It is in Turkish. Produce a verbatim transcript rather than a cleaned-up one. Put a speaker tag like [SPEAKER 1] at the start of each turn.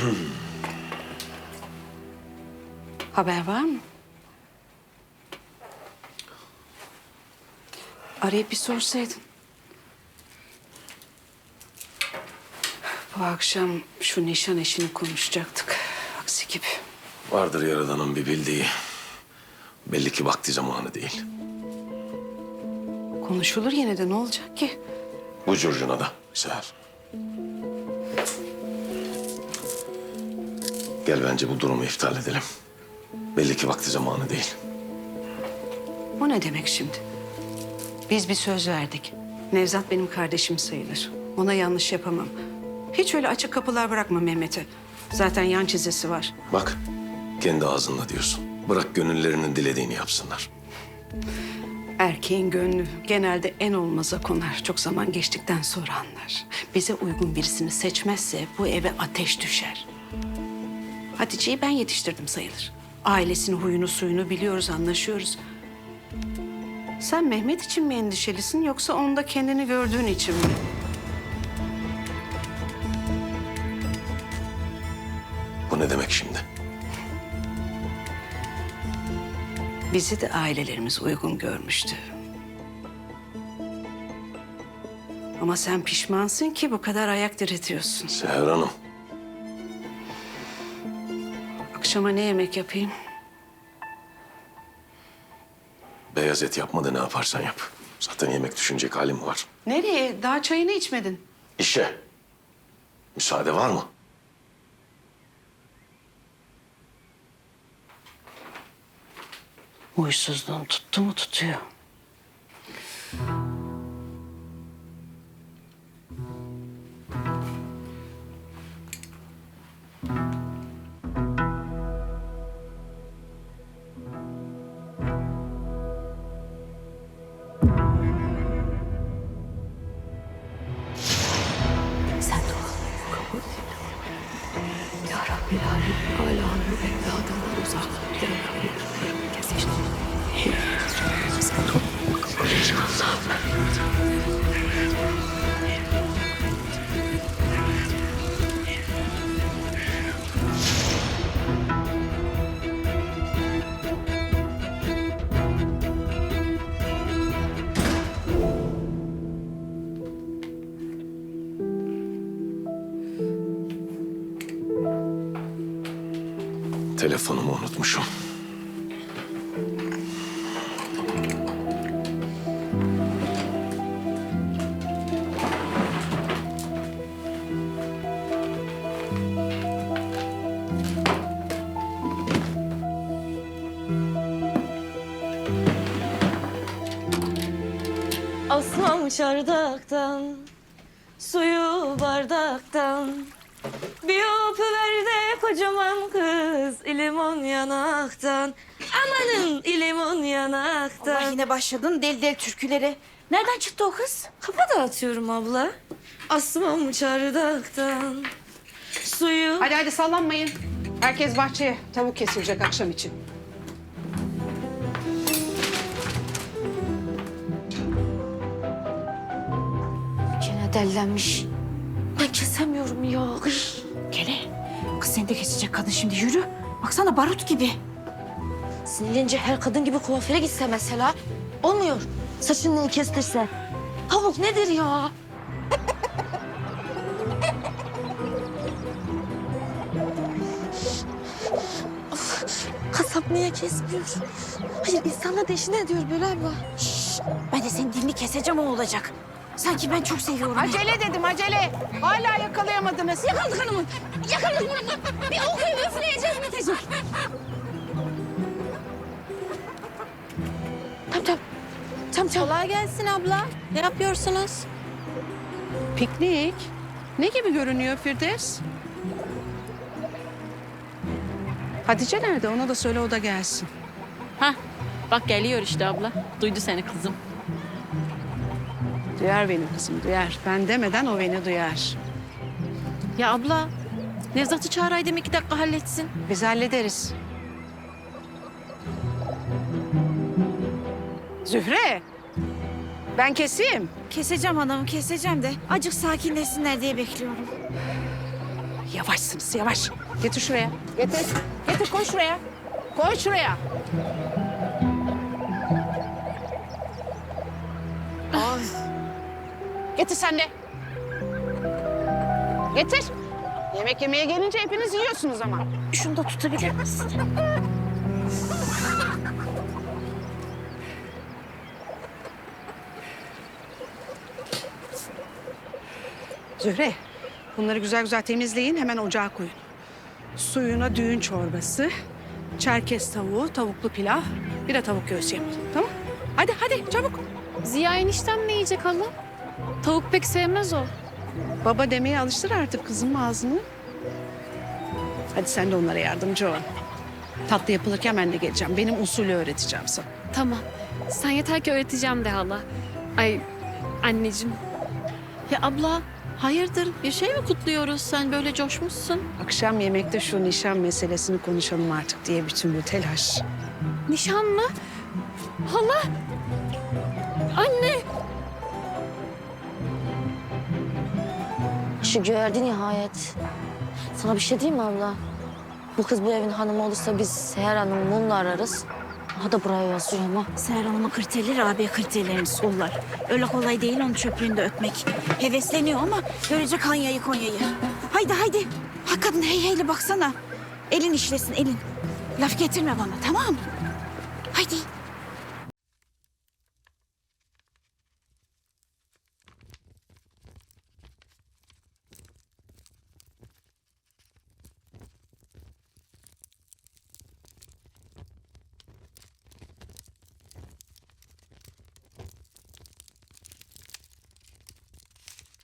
[SPEAKER 1] Haber var mı? Arayıp bir sorsaydın. Bu akşam şu nişan işini konuşacaktık. Aksi gibi.
[SPEAKER 2] Vardır Yaradan'ın bir bildiği. Belli ki vakti zamanı değil.
[SPEAKER 1] Konuşulur yine de ne olacak ki?
[SPEAKER 2] Bu curcuna da Seher. Gel bence bu durumu iptal edelim. Belli ki vakti zamanı değil.
[SPEAKER 1] O ne demek şimdi? Biz bir söz verdik. Nevzat benim kardeşim sayılır. Ona yanlış yapamam. Hiç öyle açık kapılar bırakma Mehmet'e. Zaten yan çizesi var.
[SPEAKER 2] Bak, kendi ağzınla diyorsun. Bırak gönüllerinin dilediğini yapsınlar.
[SPEAKER 1] Erkeğin gönlü genelde en olmaza konar. Çok zaman geçtikten sonra anlar. Bize uygun birisini seçmezse bu eve ateş düşer. Hatice'yi ben yetiştirdim sayılır. Ailesinin huyunu suyunu biliyoruz, anlaşıyoruz. Sen Mehmet için mi endişelisin yoksa onda kendini gördüğün için mi?
[SPEAKER 2] Bu ne demek şimdi?
[SPEAKER 1] Bizi de ailelerimiz uygun görmüştü. Ama sen pişmansın ki bu kadar ayak diretiyorsun.
[SPEAKER 2] Seher Hanım.
[SPEAKER 1] Akşama ne yemek yapayım?
[SPEAKER 2] Beyaz et yapma da ne yaparsan yap. Zaten yemek düşünecek halim var.
[SPEAKER 1] Nereye? Daha çayını içmedin.
[SPEAKER 2] İşe. Müsaade var mı?
[SPEAKER 1] Huysuzluğun tuttu mu tutuyor. Sen de ol. Kabul et. Ya Rabbi, ya Rabbi, Alâ'nın evladından uzak. Ya Rabbi, kesin.
[SPEAKER 2] Telefonumu unutmuşum.
[SPEAKER 3] Asmam çardaktan, suyu bardaktan. Bir öpüver de kocaman kız, limon yanaktan. Amanın limon yanaktan.
[SPEAKER 4] Allah yine başladın deli deli türkülere. Nereden çıktı o kız?
[SPEAKER 3] Kafa dağıtıyorum abla. Asmam çardaktan, suyu...
[SPEAKER 1] Hadi hadi sallanmayın. Herkes bahçeye. Tavuk kesilecek akşam için.
[SPEAKER 4] Gene dellenmiş.
[SPEAKER 3] Ben kesemiyorum ya. Ay.
[SPEAKER 4] Gene. Kız seni de kesecek kadın şimdi yürü. Baksana barut gibi.
[SPEAKER 3] Sinirlenince her kadın gibi kuaföre gitse mesela. Olmuyor. Saçını kestirse. Tavuk nedir ya? Of, kasap niye kesmiyor? Hayır, insanla deşine ediyor böyle abla.
[SPEAKER 4] Şşş, ben de senin dilini keseceğim o olacak. Sanki ben çok seviyorum.
[SPEAKER 1] Acele dedim acele. Hala yakalayamadınız.
[SPEAKER 3] Yakaladık hanımı. Yakaladık hanımı. Bir okuyup üfleyeceğiz bitecek. Tamam tamam. Tamam tamam.
[SPEAKER 4] Kolay gelsin abla. Ne yapıyorsunuz?
[SPEAKER 1] Piknik. Ne gibi görünüyor Firdevs? Hatice nerede? Ona da söyle o da gelsin.
[SPEAKER 5] Hah, bak geliyor işte abla. Duydu seni kızım.
[SPEAKER 1] Duyar benim kızım duyar. Ben demeden o beni duyar.
[SPEAKER 5] Ya abla, Nevzat'ı çağıraydım iki dakika halletsin.
[SPEAKER 1] Biz hallederiz. Zühre. Ben keseyim.
[SPEAKER 4] Keseceğim hanım keseceğim de. Acık sakinleşsinler diye bekliyorum.
[SPEAKER 1] yavaşsınız yavaş. Getir şuraya. Getir. Getir koy şuraya. Koy şuraya. Ay. Getir sen de. Getir. Yemek yemeye gelince hepiniz yiyorsunuz ama.
[SPEAKER 4] Şunu da tutabilir misin?
[SPEAKER 1] Zühre, bunları güzel güzel temizleyin, hemen ocağa koyun. Suyuna düğün çorbası, çerkez tavuğu, tavuklu pilav, bir de tavuk göğsü yapın. Tamam? Hadi hadi çabuk.
[SPEAKER 6] Ziya eniştem ne yiyecek hala? Tavuk pek sevmez o.
[SPEAKER 1] Baba demeye alıştır artık kızım ağzını. Hadi sen de onlara yardımcı ol. Tatlı yapılırken ben de geleceğim. Benim usulü öğreteceğim sana.
[SPEAKER 6] Tamam. Sen yeter ki öğreteceğim de hala. Ay anneciğim.
[SPEAKER 5] Ya abla hayırdır bir şey mi kutluyoruz? Sen böyle coşmuşsun.
[SPEAKER 1] Akşam yemekte şu nişan meselesini konuşalım artık diye bütün bu telaş.
[SPEAKER 6] Nişan mı? Hala. Anne.
[SPEAKER 3] Şu gördü nihayet. Sana bir şey diyeyim mi abla? Bu kız bu evin hanımı olursa biz Seher Hanım'ı mumla ararız. Aha da buraya yazıyor ama.
[SPEAKER 4] Seher Hanım'ın kriterleri abi kriterlerini sollar. Öyle kolay değil onun çöplüğünde öpmek. Hevesleniyor ama görecek Hanya'yı Konya'yı. Haydi haydi. Ha kadın hey heyle baksana. Elin işlesin elin. Laf getirme bana tamam mı? Haydi.